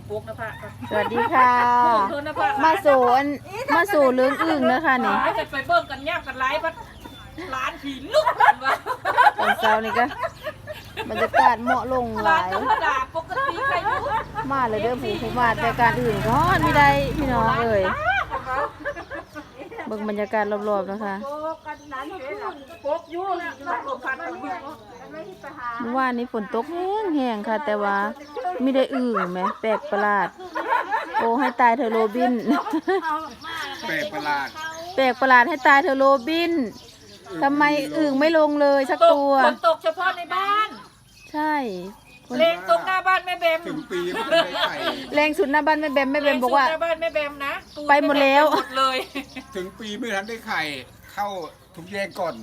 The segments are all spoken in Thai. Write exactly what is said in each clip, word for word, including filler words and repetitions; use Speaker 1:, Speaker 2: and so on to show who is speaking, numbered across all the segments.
Speaker 1: ปุ๊กนะพ่ะ
Speaker 2: สวัสดีค่ะมาสู่อันมาสู่เรื่องอึ่งนะคะนี่
Speaker 1: จะไปเบิ่งกันย่างกันไล่พัดร้านผีลุกกันวะ
Speaker 2: ตอนเช้านี่ก็บรรยากาศเหมาะลงหลาย
Speaker 1: ธรรมดาปกติใครอยู่
Speaker 2: มาเลยเด้อผู้ผู้มาแต่การอื่นก็ไม่ได้พี่น้องเอ่ยเบิ่งบรรยากาศรอบๆนะคะเมื่อวานนี้ฝนตกแห้งๆค่ะแต่ว่าไม่ได้อึ่งไหมแปลกประหลาดโอ้ให้ตายเธอโรบิน
Speaker 3: แปลกประหลาด
Speaker 2: แปลกประหลาดให้ตายเธอโรบินทำไมอึ่งไม่ลงเลยสักตัว
Speaker 1: ฝนตกเฉพาะในบ้าน
Speaker 2: ใช่
Speaker 1: เลงตรงหน้าบ้านแม่แบม
Speaker 3: ถึงปีไม่ได้ไข่
Speaker 2: แรงสุดหน้าบ้านแม่แบมแม่แบมบอกว่า
Speaker 1: หน้าบ้านแม่แบมนะ
Speaker 2: ไปหมดแล้ว
Speaker 1: หมดเลย
Speaker 3: ถึงปีไม่ทันได้ไข่เข้าทุกแยกก่อน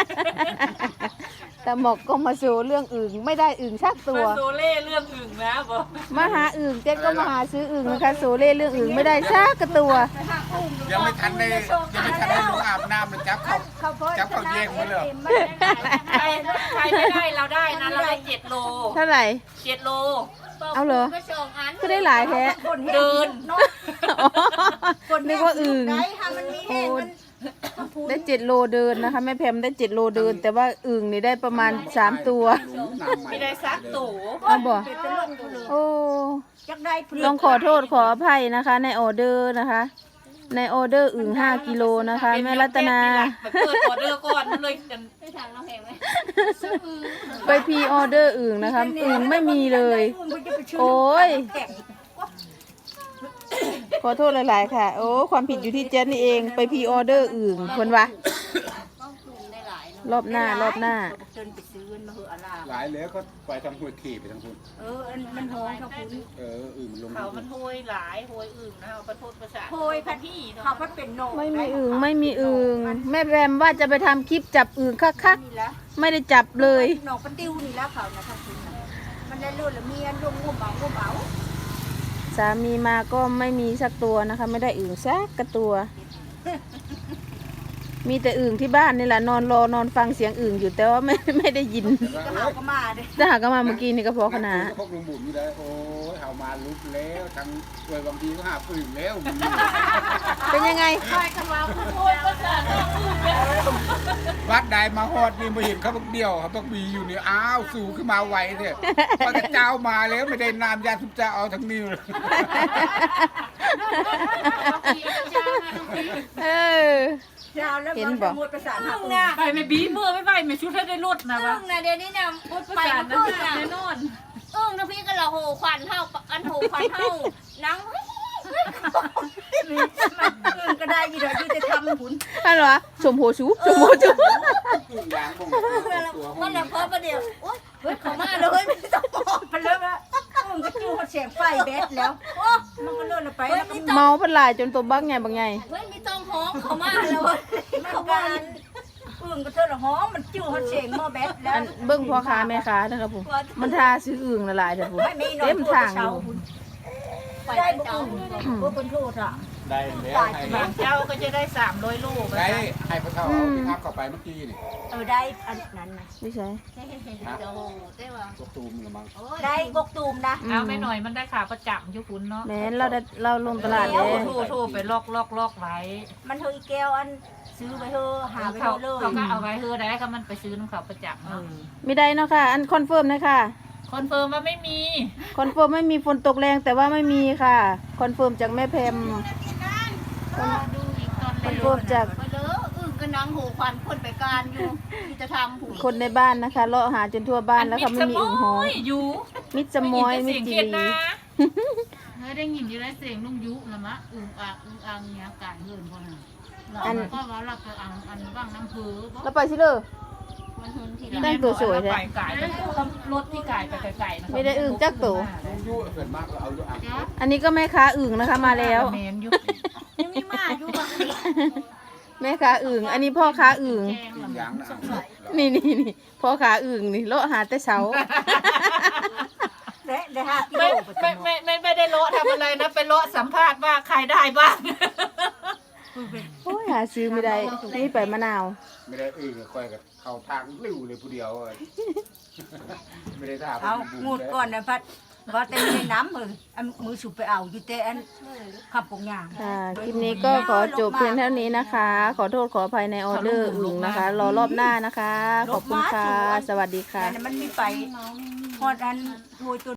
Speaker 2: แต่หมอกก็มาสู่เรื่องอึ่งไม่ได้อึ่งชักตัว
Speaker 1: มาโซเล่เรื่องอึ่งนะบอก
Speaker 2: มาหาอึ่งเจ๊ก็มาหาซื้ออึ่งนะคะโซเล่เรื่องอึ่งไม่ได้ชักตัว
Speaker 3: ยังไม่ทันได้ยังไม่ทันได้ลงอาบน้ำมันจับเขาจับเขาแยกหมดเลย
Speaker 1: ใครใครไม่ได้เราได้นะเราได้เจ็ดโล
Speaker 2: เท่าไหร่
Speaker 1: เจ็ดโล
Speaker 2: เอาเหรอก็ได้หลายแท้
Speaker 1: เดิน
Speaker 2: นึกว่าอึ่งโอ้ได้เจ็ดโลเดินนะคะแม่แพมได้เจ็ดโลเดินแต่ว่าอึ่งนี่ได้ประมาณสามตัว
Speaker 1: ไม่ได้ซักตู่
Speaker 2: เอาบ่โอ้ต้องขอโทษขออภัยนะคะในออเดอร์นะคะในออเดอร์อึ่งห้ากิโลนะคะแม่รัตนา
Speaker 1: เปิดออเดอร์ก่อนเลย
Speaker 2: ไปพรีออเดอร์อึ่งนะคะอึ่งไม่มีเลยโอ้ยขอโทษหลายๆค่ะโอ้ความผิดอยู่ที่เจนนี่เองไปพรีออเดอร์อึ่งคนวะรอบหน้ารอบหน้า
Speaker 3: หลายแล้วก็ไปทำหัวขี่ไปทางคุณ
Speaker 4: เออมันโหยเขาคุณ
Speaker 3: เอออึ่งมันลง
Speaker 1: เขามันโหยหลายโหยอึ่งนะเอาไปพูดภาษา
Speaker 4: โหยพันที่เขาพัดเป็นโน
Speaker 2: ไม่มีอึ่งไม่มีอึ่งแม่แบมว่าจะไปทำคลิปจับอึ่งคักๆไม่ได้จับเลย
Speaker 4: หนองปะติ้วนี่แล้วเขานะทางคุณมันได้รุ่นละเมียนรุ่งงุ่มเอางุ่มเอา
Speaker 2: สามีมาก็ไม่มีสักตัวนะคะไม่ได้อึ่งสักกระตัวมีแต่อึ่งที่บ้านนี่แหละนอนรอนอนฟังเสียงอึ่งอยู่แต่ว่าไม่ไม่ได้ยิน
Speaker 4: ก็หาก็มาเด้
Speaker 2: ถ้าหากมาเมื่อกี้นี่ก็พอขนาด
Speaker 3: พวกลุงบุ๋มนี่ได้โอ้ยเฮามาลุกแล้วทั้งด้วยบางทีก็หาอึ่งแล้ว
Speaker 2: เป็นยังไง
Speaker 1: ใครกันเราโหยภาษา
Speaker 3: วัดใดมาฮอดนี่มาเห็นเขาบักเดียวเขาบักบีอยู่นี่อ้าวสู่ขึ้นมาไวเถอะพระเจ้ามาแล้วไม่ได้นามยาสุบเจ้าเอาทั้งนิ้วเลย
Speaker 2: เออ
Speaker 4: เห็นบอก
Speaker 1: ไปไม่บีเมื่อไม่ไปไม่ชุดให้ได้ลดนะวะ
Speaker 4: นะเดี๋ยวนี้เนี่ยไปเมื่อนะ
Speaker 1: แน่นอน
Speaker 4: เออนะพี่ก็เราโหควันเท่าอันโหควันเท่านังก็ได้ยี่ดอกที่จะทำหุ่น
Speaker 2: อะไรวะชมโหชูชมโหชู
Speaker 4: มันละพอประเดี๋ยวโอ๊ยเฮ้ยเขามาเลยไม่ต้องบอกไปเลยว่ามันก็จูเสียงไฟแบดแล้วมันก็เลื่อนไป
Speaker 2: เมาพันลายจนตัวบักไงบักไง
Speaker 4: เฮ้ยไม่ต้องห้องเขามาแล้วเขาบ้านอึ่งก็เธอละห้องมันจูเสียงมอแบดแล้ว
Speaker 2: เบิ้งพ่อค้าแม่ค้านะครับผมมันทาซื้ออึ่งละลายเถอะผมเต็มทางอยู่
Speaker 4: ได้บุ้งบุ้งเป็นโทษอ่ะ
Speaker 3: ได้แล้ว
Speaker 1: บางเจ้าก็จะได้สามร้อยลูก
Speaker 3: ได้ให้พระเจ้าเอาพิทักษ์เข้าไปเมื่อกี้นี่
Speaker 4: เออได้อันนั้นนะ
Speaker 2: ไม่ใช่
Speaker 4: โอ้ได้ว่ะ
Speaker 3: กกตูมหรือมั้ง
Speaker 4: ได้กกตูมนะ
Speaker 1: เอาไม่หน่อยมันได้ขาประจับยุคุณเนาะ
Speaker 2: แม่เราได้เราลงตลาดเลย
Speaker 1: ทู่ทู่ไปลอกลอกลอกไว้
Speaker 4: มันเธออีแก้วอันซื้อไปเธอหาไป
Speaker 1: เขา
Speaker 4: เลย
Speaker 1: เขาก็เอาไว้เธอได้ก็มันไปซื้อน้ำเขาประจับเนาะ
Speaker 2: ไม่ได้เนาะค่ะอันคอนเฟิร์มนะคะ
Speaker 1: คอนเฟิร์มว่าไม่มี
Speaker 2: คอนเฟิร์มไม่มีฝนตกแรงแต่ว่าไม่มีค่ะคอนเฟิร์มจากแม่แพมคอนเฟิร์มจาก
Speaker 4: อึ่งกระนังหูควันคนไปการอยู่ที่จะทำหู
Speaker 2: คนในบ้านนะคะเลาะหาจนทั่วบ้านแล้วค่ะไม่มีอึ่งหอ
Speaker 1: อยู่
Speaker 2: มิดสมอยมิดจีรี
Speaker 1: เฮ้ยได้ยินอยู่ได้เสียงลุงยุละมะอึ่งอ่างอึ่งอ่างเนี้ยการเงินคนน่ะอันก็ว่าเราไปอ่างอันบ้างน้ำเผือ
Speaker 2: แล้วไปสิเลยแต่งตัวสวย
Speaker 1: เลยรถที่ไก่ไปไก่
Speaker 2: ไม่ได้อึ่งจักตัวอันนี้ก็แม่ค้าอึ่งนะคะมาแล้ว
Speaker 4: ยังมีมาอยู่บางที
Speaker 2: แม่ค้าอึ่งอันนี้พ่อค้าอึ่งนี่นี่นี่พ่อค้าอึ่งนี่เลาะหาแต่เช้า
Speaker 1: ไม่ไม่ไม่ไม่ไม่ได้เลาะทำอะไรนะไปเลาะสัมภาษณ์ว่าใครได้บ้าง
Speaker 2: โอ้ยหาซื้อไม่ได้นี่ไปมะนาว
Speaker 3: ไม่ได้อึ่งคอยกับเขาทางริ้วเลยผู้เดียวเลยไม่ได้ท่า
Speaker 4: เอางูดก่อนนะพัดว่าแต่ไม่ได้น้ำเลยอันมือสุบไปเอาอยู่แต่อันขับปงยาง
Speaker 2: ค่ะคลิปนี้ก็ขอจบเพียงเท่านี้นะคะ ขอโทษขออภัยในออเดอร์อื่นนะคะ รอรอบหน้านะคะ ขอบคุณค่ะ สวัสดีค่ะ
Speaker 4: แต่มันมีไปฮอดอันโวยตัว